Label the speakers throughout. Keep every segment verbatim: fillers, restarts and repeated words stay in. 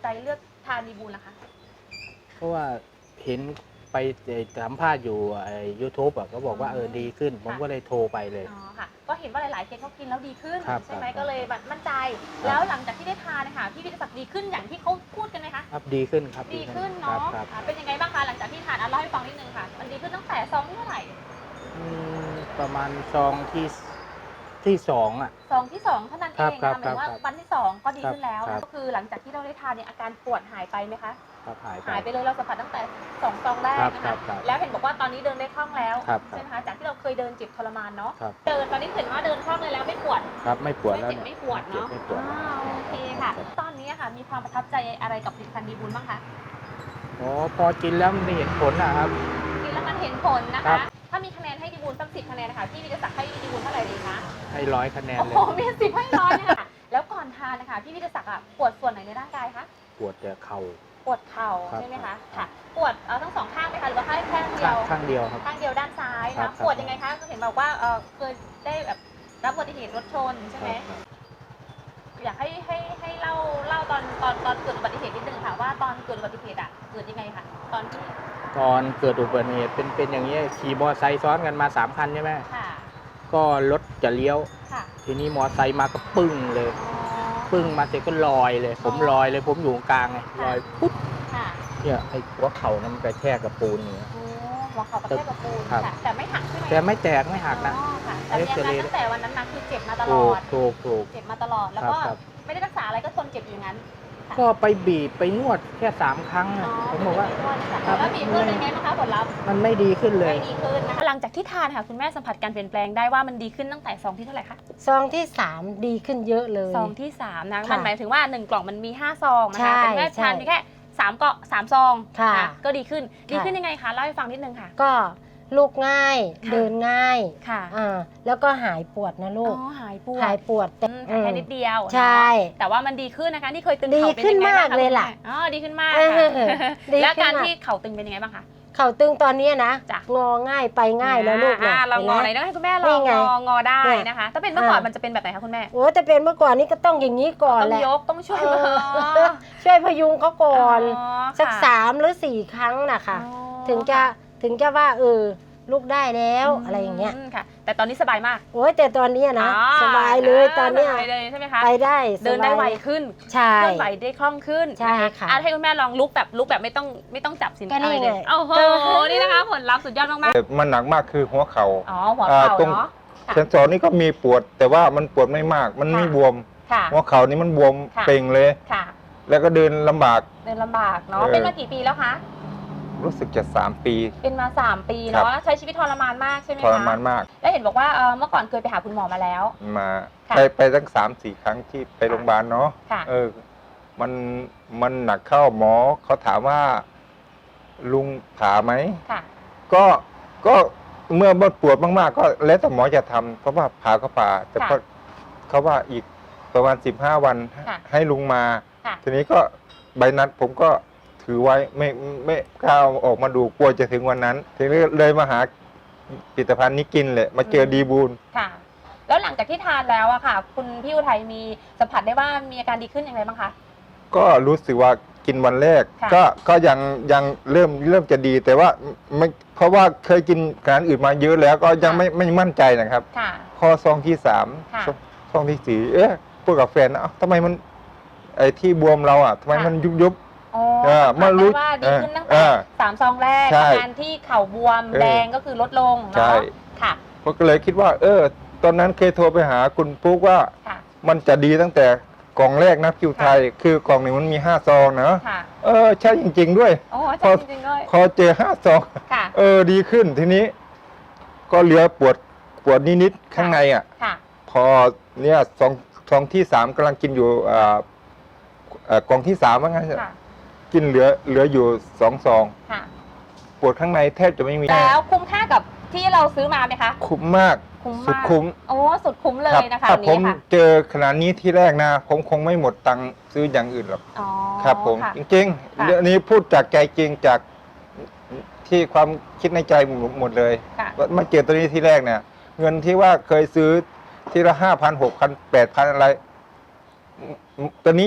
Speaker 1: ใจเลือกทานดีบูลล่ะคะ
Speaker 2: เพราะว่าเห็นไปสัมภาษณ์อยู่ไอ้ยูทูบอ่ะก็บอกว่าเออดีขึ้น ผมก็เลยโทรไปเลย
Speaker 1: อ๋อค่ะก็เห็นว่าหลายๆเคสเขากินแล้วดีขึ้น
Speaker 2: ครับ
Speaker 1: ใช่ไหม
Speaker 2: ครับ
Speaker 1: ก็เลยแบบมั่นใจ แล้วหลังจากที่ได้ทานนะคะพี่วิทยาศักดิ์ดีขึ้นอย่างที่เขาพูดกันไหมคะ
Speaker 2: ครับดีขึ้นครับ
Speaker 1: ดีขึ้น
Speaker 2: ครั
Speaker 1: เนาะ
Speaker 2: บครับ
Speaker 1: อ่าเป็นยังไงบ้างคะหลังจากที่ทานอ่ะเล่าให้ฟังนิดนึงค่ะมันดีขึ้นตั้งแต่ซองที่เท่าไหร่
Speaker 2: อืมประมาณซองที่ที่สองอ่ะ
Speaker 1: ซองที่สองเท่านั้นเอ
Speaker 2: ครับ
Speaker 1: ง
Speaker 2: ครั
Speaker 1: นะ
Speaker 2: บ
Speaker 1: หมายถึงว่า
Speaker 2: ครับ
Speaker 1: วันที่สองก็ดี
Speaker 2: ครับ
Speaker 1: ขึ้นแล้ว
Speaker 2: ครั
Speaker 1: นะ
Speaker 2: บ
Speaker 1: ก็คือหลังจากที่เราได้ทานเนี่ยอาการปวดหายไปไหมคะ
Speaker 2: ครับหายไป
Speaker 1: หายไปเลยเราสัมผัสตั้งแต่สองซองแรก
Speaker 2: ครับ
Speaker 1: นะ
Speaker 2: ครั
Speaker 1: คะ
Speaker 2: บครับ
Speaker 1: แล้วเห็นบอกว่าตอนนี้เดินได้คล่องแล้ว
Speaker 2: ครับ
Speaker 1: ใช่ไหมคะจากที่เราเคยเดินเจ็บทรมานเนาะ
Speaker 2: ครับ
Speaker 1: เดินตอนนี้เห็นว่าเดินคล่องเลยแล้วไม่ปวด
Speaker 2: ครับไม่ปวด
Speaker 1: ไม่
Speaker 2: แล้ว
Speaker 1: เจ็บ
Speaker 2: เนี่ย
Speaker 1: ไม่ปวดเนาะ
Speaker 2: ไม่ปวด
Speaker 1: อ่าโอเคค่ะ ตอนนี้ค่ะมีความประทับใจอะไรกับผลิตภัณฑ์ดีบุญบ้างคะ
Speaker 2: อ๋อพอกินแล้วมันได้เห็นผลนะครับ
Speaker 1: กินแล้วมันเห็นผลนะ
Speaker 2: ครั
Speaker 1: คะ
Speaker 2: บ
Speaker 1: ถ้ามีคะแนนให้ดีบุญสักสิบคะแนนนะคะพี่วิทยาศักดิ์ให้ดีบุญเท่าไหร่ดีคะ
Speaker 2: ให้ร้อยคะแนน
Speaker 1: โอ้
Speaker 2: เล
Speaker 1: โห
Speaker 2: ย
Speaker 1: มีสิบให้ร้อยเนี่ยค่ะแล้วก่อนทานนะคะพี่วิทยาศักดิ์อะปวดส่วนไหนในร่างกายคะ
Speaker 2: ปวดแต่เข่า
Speaker 1: ปวดเข่า
Speaker 2: ครับ
Speaker 1: ใช่ไหม
Speaker 2: ครั
Speaker 1: คะ
Speaker 2: บ
Speaker 1: ค่ะปวดเอ่อทั้งสองข้างไหมคะหรือว่าแค่ข้างเดี
Speaker 2: ข้า
Speaker 1: ยว
Speaker 2: งข้างเดียวครับ
Speaker 1: ข้างเดียวด้านซ้าย
Speaker 2: ครั
Speaker 1: นะ
Speaker 2: บ
Speaker 1: ปวดยังไงคะก็เห็นบอกว่าเออเคยได้แบบรับอุบัติเหตุรถชนใช่ไหม
Speaker 2: ครับ
Speaker 1: อยากให้ให้ให้เล่าเล่าตอนตอนตอนเกิดอุบัติเหตุนิดนึงค่ะว่าตอนเกิดอุบัติเหตุอ่ะเกิดยังไงคะตอนที่
Speaker 2: ตอนเกิดอุบัติเหตุเป็นเป็นอย่างนี้ยขี่มอเตอร์ไซค์ซ้อนกันมาสามคันใช่ไหม
Speaker 1: ค่ะ
Speaker 2: ก็รถจะเลี้ยว
Speaker 1: ค่ะ
Speaker 2: ทีนี้มอเตอร์ไซค์มาก็ปึ้งเลย
Speaker 1: อ๋อ
Speaker 2: ปึ้งมาเสร็จก็ลอยเลย ผมลอยเลยผมอยู่กลางไงลอยปุ๊บ
Speaker 1: ค่ะ
Speaker 2: เนี่ยไอ้หัวเข่านั้นมันกระแทกกับปูนอย่างเงี้ย
Speaker 1: โอ้หัวเข่ากระแทกกับปูน
Speaker 2: ครับ
Speaker 1: ค่ะแต่ไม่หักใช่ไหม
Speaker 2: แต่ไม่แตกไม่หักนะ
Speaker 1: อ๋อค่ะแต่มีอาการตั้งแต่วันนั้นมาคือเจ็บมาตล
Speaker 2: ถู
Speaker 1: อก ด
Speaker 2: ถูกถูก
Speaker 1: เจ็บมาตลอดแล้ว
Speaker 2: ครับ
Speaker 1: ก็
Speaker 2: ครับ
Speaker 1: ไม่ได้รักษาอะไรก็ทนเจ็บอยู่อย่างนั้น
Speaker 2: ก็ไปบีบไปนวดแค่สามครั้งอะผมบอกว่า ครับ
Speaker 1: แล้วมีเพื่อนเป็นไงบ้างคะผลลัพธ์
Speaker 2: มันไม่ดีขึ้นเลย
Speaker 1: ไม่ดีขึ้นนะคะหลังจากที่ทานค่ะคุณแม่สัมผัสการเปลี่ยนแปลงได้ว่ามันดีขึ้นตั้งแต่ซองที่เท่าไหร่คะ
Speaker 3: ซองที่สามดีขึ้นเยอะเลย
Speaker 1: ซองที่สามนะ
Speaker 3: ค่ะ
Speaker 1: มันหมายถึงว่าหนึ่งกล่องมันมีห้าซองนะ
Speaker 3: ใช่
Speaker 1: คะเป็นแม่ทาน
Speaker 3: ใช่
Speaker 1: มีแค่สามเกาะสามซอง
Speaker 3: ค่ะ
Speaker 1: นก็ดีขึ้นดี
Speaker 3: ค่ะ
Speaker 1: ขึ้นยังไงคะเล่าให้ฟังนิดนึงค่ะ
Speaker 3: ก็ลูกง่าย
Speaker 1: ค่ะ
Speaker 3: เดินง่าย
Speaker 1: ค่ะ
Speaker 3: อ่าแล้วก็หายปวดนะ
Speaker 1: อ๋
Speaker 3: ลูก
Speaker 1: อหายปวด
Speaker 3: หายปวดแต่
Speaker 1: อืมแค่นิดเดียว
Speaker 3: ใช่
Speaker 1: เนาะแต่ว่ามันดีขึ้นนะคะที่เคยตึง
Speaker 3: ดี
Speaker 1: เข่าเป็น
Speaker 3: ขึ้น
Speaker 1: ยังไงบ้าง
Speaker 3: มากเลยล่ะ
Speaker 1: คุณแม่อ๋อดีขึ้นมาก
Speaker 3: เออ
Speaker 1: ค่ะ
Speaker 3: ดี
Speaker 1: แล้ว
Speaker 3: ขึ้น
Speaker 1: การ
Speaker 3: มาก
Speaker 1: ที่เข่าตึงเป็นยังไงบ้างคะ
Speaker 3: เข่าตึงตอนเนี้ยนะ
Speaker 1: จ้ะ
Speaker 3: งอง่ายไปง่ายแล้วลูก
Speaker 1: อ่า
Speaker 3: นะ
Speaker 1: เรางอไหน
Speaker 3: ห็น
Speaker 1: ต้
Speaker 3: ไหม
Speaker 1: องให้คุณแม่ล
Speaker 3: นี่
Speaker 1: อง
Speaker 3: ไง
Speaker 1: งองอได้
Speaker 3: เนี่ย
Speaker 1: นะคะ ถ้าเป็นเมื่อก่อน
Speaker 3: อ่ามั
Speaker 1: มันจะเป็นแบบไหนคะคุณแม่
Speaker 3: โอ้แต่เป็นเมื่อก่อนนี้ก็ต้องอย่างนี้ก่อน
Speaker 1: ต้อง
Speaker 3: แหละ
Speaker 1: ยกต้องช่วย
Speaker 3: เอ
Speaker 1: มือ
Speaker 3: อช่วยพยุงเขาก่อน
Speaker 1: อ๋อ
Speaker 3: สัก
Speaker 1: ค่ะ
Speaker 3: สามหรือสี่ครั้งนะคะ
Speaker 1: อ๋อ
Speaker 3: ถึงจะถึงจะว่าเออลูกได้แล้วอะไรอย่างเงี้ย
Speaker 1: มค่ะ แต่ตอนนี้สบายมาก
Speaker 3: โอ้ยแต่ตอนเนี้ยนะ
Speaker 1: อ๋อ
Speaker 3: สบายเลยตอนเนี้ย
Speaker 1: สบายเลยใช่ไหมคะ
Speaker 3: ไปได้สบาย
Speaker 1: เดินได้ไวขึ้น
Speaker 3: ใช่
Speaker 1: เคลื่อนไหวได้คล่องขึ้น
Speaker 3: ใช่ค่ะ
Speaker 1: อ่ให้คุณแม่ลองลุกแบบลุกแบบไม่ต้องไม่ต้องจับสิน
Speaker 3: ก็นี่
Speaker 1: อะไรเลย
Speaker 3: ไง
Speaker 1: โอ้โห
Speaker 3: เออ
Speaker 1: นี่นะคะ ผลลัพธ์สุดยอดมาก
Speaker 4: แต่มันหนักมากคือหัวเขา่า
Speaker 1: ๆอ๋อหัว
Speaker 4: อ่า
Speaker 1: เข่า
Speaker 4: ตรง
Speaker 1: เนาะ ค่ะ
Speaker 4: เซนสอนนี่ก็มีปวด แต่ว่ามันปวดไม่มาก มันไม่
Speaker 1: ค่ะ
Speaker 4: บวม
Speaker 1: ค่ะ
Speaker 4: หัวเข่านี่มันบวม
Speaker 1: ค่ะ
Speaker 4: เป่งเลย
Speaker 1: ค่ะ
Speaker 4: แล้วก็เดินลำบาก
Speaker 1: เดินลำบากเนาะ
Speaker 4: เออ
Speaker 1: เป็นมากี่ปีแล้วคะ
Speaker 4: รู้สึกจะสามปี
Speaker 1: เป็นมาสามปี
Speaker 4: ครั
Speaker 1: เนาะ
Speaker 4: บ
Speaker 1: ใช้ชีวิตทรมานมากใช่ไหม
Speaker 4: ท
Speaker 1: คะ
Speaker 4: รมานมาก
Speaker 1: แล้วเห็นบอกว่าเอ่อเมื่อก่อนเคยไปหาคุณหมอมาแล้ว
Speaker 4: มา
Speaker 1: ค่ะ
Speaker 4: ไปไปตั้งสามสี่ครั้งที่ไปโรงพยาบาลเนาะ
Speaker 1: ค่ะ
Speaker 4: เออ มันมันหนักเข้าหมอเขาถามว่า ลุงผ่าไหม
Speaker 1: ค่ะ
Speaker 4: ก็ก็เมื่อมันปวดมากๆ ก็แล้วแต่หมอจะทำเพราะว่าผ่าก็ผ่า แต่
Speaker 1: ค่ะ
Speaker 4: ก็เขาว่าอีกประมาณสิบห้าวัน
Speaker 1: ค่ะ
Speaker 4: ให้ลุงมา
Speaker 1: ค่ะ
Speaker 4: ทีนี้ก็ใบนัดผมก็ถือไว้ไม่ไม่กล้าเอาออกมาดูกลัวจะถึงวันนั้น ทีนี้เลยมาหาผลิตภัณฑ์นี้กินเลยมาเจอดีบูล
Speaker 1: ค่ะ แล้วหลังจากที่ทานแล้วอะค่ะ คุณพี่อุทัยมีสัมผัสได้ว่ามีอาการดีขึ้นอย่างไรบ้างคะ
Speaker 4: ก็รู้สึกว่ากินวันแรก
Speaker 1: ค่ะ
Speaker 4: ก็ก็ยังยังเริ่มเริ่มจะดีแต่ว่าไม่เพราะว่าเคยกินอาหารอื่นมาเยอะแล้วก็ยังไม่ไม่มั่นใจนะครับ
Speaker 1: ค่ะ
Speaker 4: พอซองที่สาม
Speaker 1: ค่ะ
Speaker 4: ซองซองที่สี่เอ๊ะพูดกับแฟนนะเอ้าทำไมมันไอ้ที่บวมเราอ่ะทำไม
Speaker 1: ค่ะ
Speaker 4: มันยุบยุบ
Speaker 1: อ๋อ
Speaker 4: เออ
Speaker 1: สัมผัส
Speaker 4: เมื่อรู้
Speaker 1: ได้ว่าดีขึ้นตั้ง
Speaker 4: เอ
Speaker 1: แต่
Speaker 4: อ
Speaker 1: สามซองแรก
Speaker 4: ใช่
Speaker 1: อาการที่เข่าบวม
Speaker 4: เออ
Speaker 1: แดงก็คือลดลง
Speaker 4: ใช่
Speaker 1: เนาะค่ะ
Speaker 4: ผมก็เลยคิดว่า เออ ตอนนั้นเคยโทรไปหาคุณปุ๊กว่า
Speaker 1: ค่ะ
Speaker 4: มันจะดีตั้งแต่กล่องแรกนะคิวไทย คือกล่องหนึ่งมันมีห้าซองนะ
Speaker 1: ค่ะ
Speaker 4: เออใช่จริง ๆ ด้วย
Speaker 1: โอ้
Speaker 4: พ
Speaker 1: ใช่
Speaker 4: อ
Speaker 1: จริงๆเลย
Speaker 4: พอเจอห้าซอง
Speaker 1: ค่ะ
Speaker 4: เออดีขึ้นทีนี้ ก็เหลือปวดปวดนิดๆข้างในอ่ะ
Speaker 1: ค่ะ
Speaker 4: พอเนี่ยซองซองที่สามกำลังกินอยู่อ่าเอ่อกล่องที่สามว่างั้น
Speaker 1: ค่ะ
Speaker 4: กินเหลือเหลืออยู่สองซอง
Speaker 1: ค่ะ
Speaker 4: ปวดข้างในแทบจะไม่มี
Speaker 1: แล้วคุ้มค่ากับที่เราซื้อมาไหมคะ
Speaker 4: คุ้มมาก
Speaker 1: คุ้ม
Speaker 4: สุด
Speaker 1: มาก
Speaker 4: คุ้ม
Speaker 1: โอ้สุดคุ้มเล
Speaker 4: รับ
Speaker 1: ยนะคะ
Speaker 4: ถ้า
Speaker 1: อัน
Speaker 4: ผม
Speaker 1: นี้ค่ะ
Speaker 4: เจอขนาดนี้ที่แรกนะ ผมคงไม่หมดตังค์ซื้ออย่างอื่นหรอก
Speaker 1: อ๋อ
Speaker 4: ครับผม
Speaker 1: ค่ะ
Speaker 4: จริง
Speaker 1: ค่ะ
Speaker 4: ๆเรื่องนี้พูดจากใจจริงจากที่ความคิดในใจหมดเลย
Speaker 1: ค่ะ
Speaker 4: ว่ามาเจอตัวนี้ที่แรกเนี่ย เงินที่ว่าเคยซื้อทีละห้าพันหกพันแปดพันอะไรตัวนี้จะ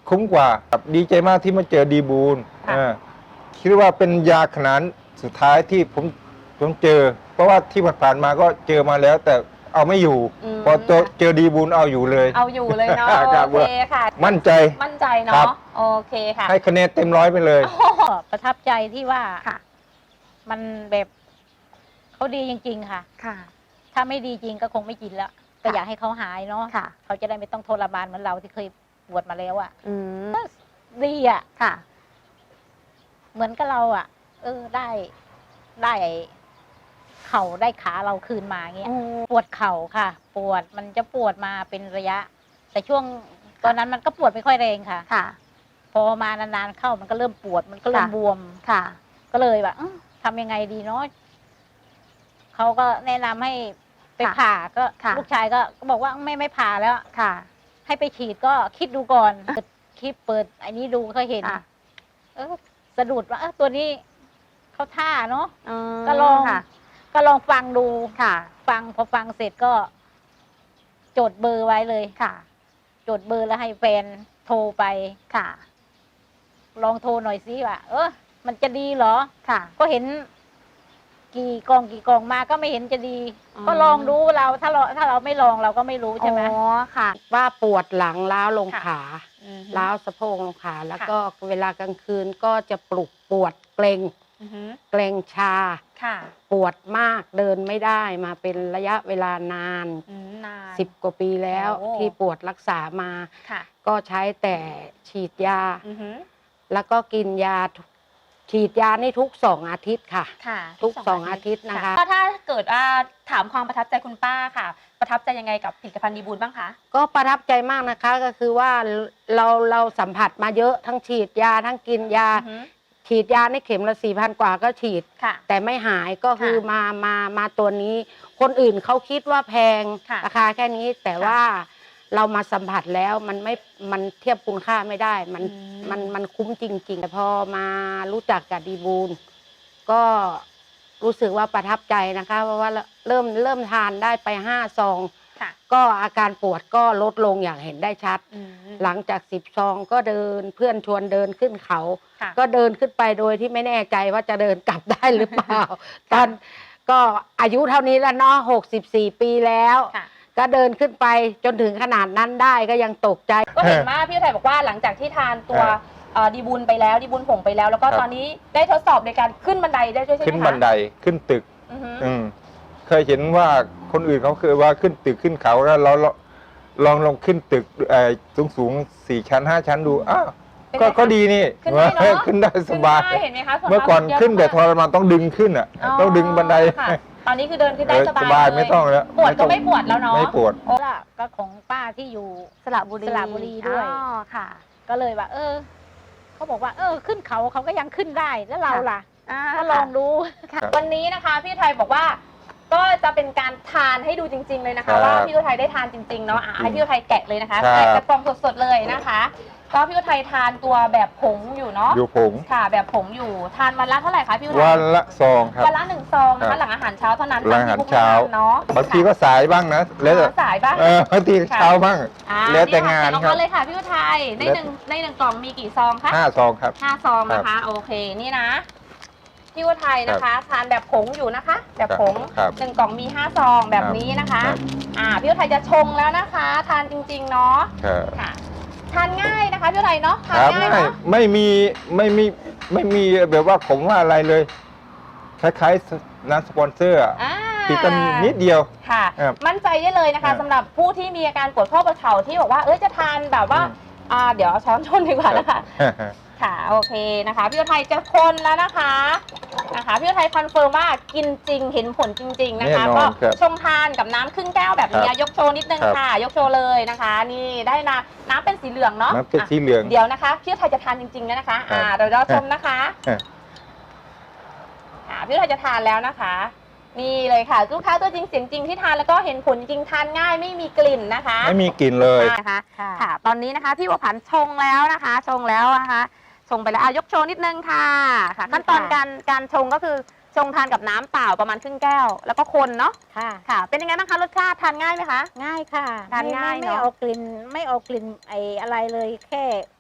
Speaker 4: คุ้มกว่าครับดีใจมากที่มาเจอดีบูล
Speaker 1: ค่ะ
Speaker 4: เออคิดว่าเป็นยาขนาดสุดท้ายที่ผมผมเจอ เพราะว่าที่ผ่านๆมาก็เจอมาแล้ว แต่เอาไม่อยู่
Speaker 1: อืม
Speaker 4: พอเจอเจอดีบูลเอาอยู่เลย
Speaker 1: เอาอยู่เลยเนาะ
Speaker 4: ครับ
Speaker 1: โอเคค่ะ
Speaker 4: มั่นใจ
Speaker 1: มั่นใจ
Speaker 4: ครั
Speaker 1: เนาะ
Speaker 4: บ
Speaker 1: โอเคค่ะ
Speaker 4: ให้คะแนนเต็มร้อยไปเลย
Speaker 3: ก็ประทับใจที่ว่า
Speaker 1: ค่ะ
Speaker 3: มันแบบเขาดีจริง ๆ ค่ะ
Speaker 1: ค่ะ
Speaker 3: ถ้าไม่ดีจริงก็คงไม่กินแล้วก็อยากให้เขาหายเนาะ
Speaker 1: ค่ะ
Speaker 3: เขาจะได้ไม่ต้องทรมานเหมือนเราที่เคยปวดมาแล้วอะ่ะ
Speaker 1: อืม
Speaker 3: ดีอะ่ะ
Speaker 1: ค่ะ
Speaker 3: เหมือนกับเราอะ่ะ เออได้ได้เข่าได้ขาเราคืนมาเงี้ย ปวดเข่าค่ะ ปวดมันจะปวดมาเป็นระยะ แต่ช่วงตอนนั้นมันก็ปวดไม่ค่อยแรงค่ะ
Speaker 1: ค่ะ
Speaker 3: พอมานานๆเข้ามันก็เริ่มปวดมันก็เริ่ม
Speaker 1: ค่ะ
Speaker 3: บวม
Speaker 1: ค่ะ
Speaker 3: ก็เลยแบบอื้อทำยังไงดีเนาะเขาก็แนะนำให้ไป
Speaker 1: ค่ะ
Speaker 3: ผ่าก็
Speaker 1: ค่ะ
Speaker 3: ลูกชายก็ก็บอกว่าไม่ไม่ผ่าแล้ว
Speaker 1: ค่ะ
Speaker 3: ให้ไปฉีดก็คิดดูก่อนเปิดคลิปเปิดไอ้นี้ดูก็เห็น
Speaker 1: ค่ะ
Speaker 3: เออสะดุดว่าเออตัวนี้เขาท่าเนาะ
Speaker 1: อืม
Speaker 3: ก็ลอง
Speaker 1: ค่ะ
Speaker 3: ก็ลองฟังดู
Speaker 1: ค่ะ
Speaker 3: ฟังพอฟังเสร็จก็ จดเบอร์ไว้เลย
Speaker 1: ค่ะ
Speaker 3: จดเบอร์แล้วให้แฟนโทรไป
Speaker 1: ค่ะ
Speaker 3: ลองโทรหน่อยสิว่าเออมันจะดีเหรอ
Speaker 1: ค่ะ
Speaker 3: ก็เห็น กี่กองกี่กองมาก็ไม่เห็นจะดี
Speaker 1: อืม
Speaker 3: ก็ลองดูเราถ้าเราถ้าเราไม่ลองเราก็ไม่รู้ใช่ไหม
Speaker 1: อ๋อค่ะ
Speaker 5: ว่าปวดหลังล้าวลง
Speaker 1: ค่ะ
Speaker 5: ขา
Speaker 1: อืม
Speaker 5: ล้าวสะโพกลงขาแล้ว
Speaker 1: ค่ะ
Speaker 5: ก็เวลากลางคืนก็จะปลุกปวดเกรง
Speaker 1: อือฮึ
Speaker 5: เกรงชา
Speaker 1: ค่ะ
Speaker 5: ปวดมากเดินไม่ได้มาเป็นระยะเวลานาน
Speaker 1: อืมนาน
Speaker 5: สิบกว่าปีแล้ว
Speaker 1: โอ้
Speaker 5: ที่ปวดรักษามา
Speaker 1: ค่ะ
Speaker 5: ก็ใช้แต่ฉีดยา
Speaker 1: อือฮึ
Speaker 5: แล้วก็กินยาทุกฉีดยานี่ทุกสองอาทิตย์ค่ะ
Speaker 1: ค่ะ
Speaker 5: ทุกสองอาทิตย์นะคะ
Speaker 1: ก็ถ้าเกิดว่าถามความประทับใจคุณป้าค่ะ ประทับใจยังไงกับผลิตภัณฑ์ดีบูลบ้างคะ
Speaker 5: ก็ประทับใจมากนะคะก็คือว่าเราเราสัมผัสมาเยอะทั้งฉีดยาทั้งกินยา
Speaker 1: อือฮึ
Speaker 5: ฉีดยาในเข็มละสี่พันกว่าก็ฉีด
Speaker 1: ค่ะ
Speaker 5: แต่ไม่หายก็คือ
Speaker 1: ค่ะ
Speaker 5: มามามาตัวนี้ คนอื่นเขาคิดว่าแพง
Speaker 1: ค่ะ
Speaker 5: ราคาแค่นี้ แต่
Speaker 1: ค่ะ
Speaker 5: ว่าเรามาสัมผัสแล้วมันไม่มันเทียบคุณค่าไม่ได้ มัน
Speaker 1: อืม
Speaker 5: มันมันคุ้มจริงๆแต่พอมารู้จักกับดีบูลก็รู้สึกว่าประทับใจนะคะ เพราะว่าเริ่มเริ่มทานได้ไปห้าซอง
Speaker 1: ค่ะ
Speaker 5: ก็อาการปวดก็ลดลงอย่างเห็นได้ชัด
Speaker 1: อืม
Speaker 5: หลังจากสิบซองก็เดินเพื่อนชวนเดินขึ้นเขา
Speaker 1: ค่ะ
Speaker 5: ก็เดินขึ้นไปโดยที่ไม่แน่ใจว่าจะเดินกลับได้หรือเปล่า ตอนก็อายุเท่านี้แล้วเนาะหกสิบสี่ปีแล้ว
Speaker 1: ค่ะ
Speaker 5: ก็เดินขึ้นไปจนถึงขนาดนั้นได้ก็ยังตกใจ
Speaker 1: ก็เห็นว่าพี่ไทยบอกว่าหลังจากที่ทานตัว
Speaker 4: ครับ
Speaker 1: เอ่อดีบุญไปแล้วดีบุญผงไปแล้ว แล้วก็
Speaker 4: ครับ
Speaker 1: ตอนนี้ได้ทดสอบในการขึ้นบันไดได้ด้วยใช่ไหมคะ
Speaker 4: ขึ้นบันไดขึ้นตึก
Speaker 1: อือฮึ
Speaker 4: อืมเคยเห็นว่าคนอื่นเขาเคยว่าขึ้นตึกขึ้นเขาแล้วเราเราลองลองขึ้นตึกสูงสูงๆสี่ชั้นห้าชั้นดูอ้าว
Speaker 1: เป็น
Speaker 4: ก็
Speaker 1: ไงคะ
Speaker 4: ก็ดีนี่
Speaker 1: ขึ้นได้เนอะ
Speaker 4: ขึ้นได้สบาย
Speaker 1: ขึ้นได้เห็นไหมคะส่ว
Speaker 4: เมื่อก่อน
Speaker 1: มาก
Speaker 4: ขึ้นแต่ท
Speaker 1: เยอะ
Speaker 4: รมานต้องดึงขึ้นอ่ะ
Speaker 1: มาก
Speaker 4: ต้องดึงบันได
Speaker 1: ค่ะตอนนี้คือเดินขึ้นได้
Speaker 4: เออ
Speaker 1: สบาย
Speaker 4: สบาย
Speaker 1: เลย
Speaker 4: ไม่ต้องแล้ว
Speaker 1: ปวดก็
Speaker 4: ต้อง
Speaker 1: ไม่ปวดแล้วเนาะ
Speaker 4: ไม่ปวด
Speaker 3: โอ้ล่ะก็ของป้าที่อยู่
Speaker 1: สระบุรี
Speaker 3: สระบุรีด้วย
Speaker 1: อ๋อค่ะ
Speaker 3: ก็เลยว่า เออเขาบอกว่า เออ ขึ้นเขาเขาก็ยังขึ้นได้แล้วเราล่ะ
Speaker 1: อ่า
Speaker 3: ก็ลองดู
Speaker 1: ค่ะ
Speaker 4: ครับ
Speaker 1: วันนี้นะคะพี่ไทยบอกว่า ก็จะเป็นการทานให้ดูจริง ๆเลยนะ
Speaker 4: ครั
Speaker 1: คะ
Speaker 4: บ
Speaker 1: ว่าพี่ไทยได้ทานจริงๆเนาะอ่ะให้พี่ไทยแกะเลยนะคะ
Speaker 4: ครับ
Speaker 1: แกะกระป๋องสดๆเลยนะคะ ก็พี่ไทยทานตัวแบบผงอยู่เนาะ
Speaker 4: อยู่ผง
Speaker 1: ค่ะ แบบผงอยู่ทานวันละเท่าไหร่คะพี่ไทย
Speaker 4: วันละซองครับ
Speaker 1: วันละหนึ่งซองนะ
Speaker 4: ครั
Speaker 1: คะ
Speaker 4: บ
Speaker 1: หลังอาหารเช้าเท่านั้น
Speaker 4: หลังอาหาร
Speaker 1: ทนที่
Speaker 4: เช้า
Speaker 1: พวกเนาะ
Speaker 4: บางทีก็สายบ้างนะแล้วแต่
Speaker 1: ค่ะสายบ้าง
Speaker 4: เออบางที
Speaker 1: ค่ะ
Speaker 4: เช้าบ้าง
Speaker 1: อ่า
Speaker 4: แล้วแต่งาน
Speaker 1: นี่
Speaker 4: ครั
Speaker 1: ค่ะ
Speaker 4: บ
Speaker 1: เลยค่ะพี่ไทยในหนึ่งในหนึ่งกล่องมีกี่ซองคะ
Speaker 4: ห้าซองครับ
Speaker 1: ห้าซองนะคะ โอเคนี่นะพี่วัไทยนะคะ ทานแบบผงอยู่นะคะ แบบผง
Speaker 4: ครับ
Speaker 1: หนึ่งกล่องมีห้าซองแบบนี้นะคะ
Speaker 4: ครับ
Speaker 1: อ่าพี่วัไทยจะชงแล้วนะคะ ทานจริงๆเนาะ
Speaker 4: ครับ
Speaker 1: ค่ะ ทานง่ายนะคะพี่วัไทยเนาะทาน
Speaker 4: ครับ
Speaker 1: ง่าย
Speaker 4: ไม่
Speaker 1: เนาะ
Speaker 4: ไม่มีไม่มีไม่มีแบบว่าผมว่าอะไรเลย คล้ายๆน้ำสปอนเซอร์อะ
Speaker 1: อ่า
Speaker 4: ติดกันนิดเดียว
Speaker 1: ค่ะ
Speaker 4: ครับ
Speaker 1: มั่นใจได้เลยนะ
Speaker 4: ครั
Speaker 1: คะ
Speaker 4: บ
Speaker 1: สำหรับผู้ที่มีอาการปวดข้อประเข่าที่บอกว่าเอ้ยจะทานแบบว่า
Speaker 4: อืม
Speaker 1: อ่าเดี๋ยวเอาช้อนชนดีกว่านะคะ ค่ะโอเคนะคะพี่วัไทยจะคนแล้วนะคะนะคะพี่วัไทยคอนเฟิร์มว่ากินจริงเห็นผลจริง ๆนะคะ
Speaker 4: แน่นอน
Speaker 1: ก็
Speaker 4: ครับ
Speaker 1: ชงทานกับน้ำครึ่งแก้วแบบนี้
Speaker 4: ครับ
Speaker 1: ยกโชว์นิดนึง
Speaker 4: ครับ
Speaker 1: ค่ะ ยกโชว์เลยนะคะ นี่ได้น้ำน้ำเป็นสีเหลืองเนาะ
Speaker 4: น้ำเป็นสีเหลือง
Speaker 1: อ่ะเดี๋ยวนะคะพี่วัไทยจะทานจริงๆแล้วนะคะ อ่า
Speaker 4: ครับ
Speaker 1: เดี๋ยวเราชมนะคะ
Speaker 4: ครับ
Speaker 1: อ่าพี่วัไทยจะทานแล้วนะคะ นี่เลยค่ะลูกค้าตัวจริงเสียงจริงที่ทานแล้วก็เห็นผลจริงทานง่ายไม่มีกลิ่นนะคะ
Speaker 4: ไม่มีกลิ่นเลย
Speaker 1: นะคะ
Speaker 3: ค่ะ
Speaker 1: ค่ะ ตอนนี้นะคะพี่บัวผันชงแล้วนะคะ ชงแล้วนะคะ ชงไปแล้วอ่ะยกโชว์นิดนึงค่ะ ค่ะ ขั้นตอนการการชงก็คือชงทานกับน้ำเปล่าประมาณครึ่งแก้ว แล้วก็คนเนาะ
Speaker 3: ค่ะ
Speaker 1: ค่ะ เป็นยังไงบ้างคะรสชาติทานง่ายไหมคะ
Speaker 3: ง่ายค่ะ
Speaker 1: ทานง่าย
Speaker 3: ไม่
Speaker 1: เนอะ
Speaker 3: ไม่เอากลิ่นไม่เอากลิ่นไออะไรเลยแค่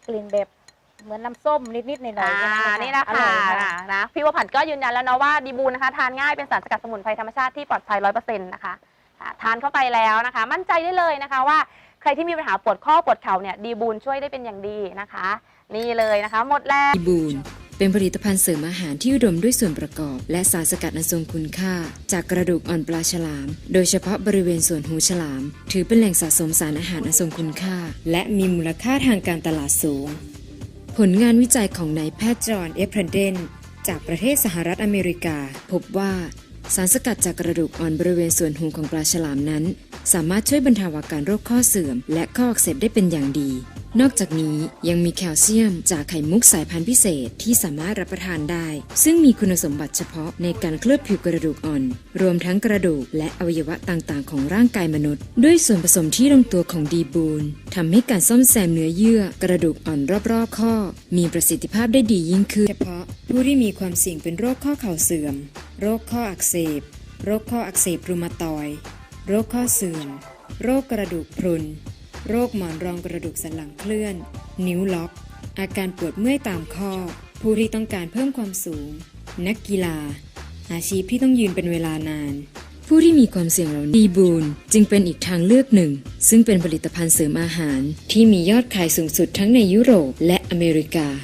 Speaker 3: กลิ่นแบบเหมือนน้ำส้มนิดๆหน่อยๆ
Speaker 1: อ่า
Speaker 3: แค่
Speaker 1: นี่นะ
Speaker 3: อ
Speaker 1: คะ
Speaker 3: ร่อยค่ะ
Speaker 1: นะพี่วผันก็ยืนยันแล้วเนาะว่าดีบูนนะคะทานง่ายเป็นสารสกัดสมุนไพรธรรมชาติที่ปลอดภัยร้อยเปอร์เซ็นต์นะคะอ่าทานเข้าไปแล้วนะคะ มั่นใจได้เลยนะคะว่าใครที่มีปัญหาปวดข้อปวดเข่าเนี่ยดีบูนช่วยได้เป็นอย่างดีนะคะ นี่เลยนะคะหมดแล้ว
Speaker 6: ดีบูนเป็นผลิตภัณฑ์เสริมอาหารที่อุดมด้วยส่วนประกอบ และสารสกัดอันทรงคุณค่า จากกระดูกอ่อนปลาฉลาม โดยเฉพาะบริเวณส่วนหูฉลาม ถือเป็นแหล่งสะสมสารอาหารอันทรงคุณค่า และมีมูลค่าทางการตลาดสูง ผลงานวิจัยของนายแพทย์จอห์นเอฟเพรนเดนจากประเทศสหรัฐอเมริกา พบว่าสารสกัดจากกระดูกอ่อนบริเวณส่วนหูของปลาฉลามนั้น สามารถช่วยบรรเทาอาการโรคข้อเสื่อม และข้ออักเสบได้เป็นอย่างดี นอกจากนี้ยังมีแคลเซียมจากไข่มุกสายพันธุ์พิเศษที่สามารถรับประทานได้ ซึ่งมีคุณสมบัติเฉพาะในการเคลือบผิวกระดูกอ่อน รวมทั้งกระดูกและอวัยวะต่างๆของร่างกายมนุษย์ ด้วยส่วนผสมที่ลงตัวของดีบูนทำให้การซ่อมแซมเนื้อเยื่อกระดูกอ่อนรอบๆข้อ มีประสิทธิภาพได้ดียิ่งขึ้นเฉพาะผู้ที่มีความเสี่ยงเป็นโรคข้อเข่าเสื่อม โรคข้ออักเสบ โรคข้ออักเสบรูมาตอยด์โรคข้อเสื่อม โรคกระดูกพรุน โรคหมอนรองกระดูกสันหลังเคลื่อน นิ้วล็อก อาการปวดเมื่อยตามข้อ ผู้ที่ต้องการเพิ่มความสูง นักกีฬา อาชีพที่ต้องยืนเป็นเวลานาน ผู้ที่มีความเสี่ยงเหล่านี้ดีบูนจึงเป็นอีกทางเลือกหนึ่ง ซึ่งเป็นผลิตภัณฑ์เสริมอาหารที่มียอดขายสูงสุดทั้งในยุโรปและอเมริกา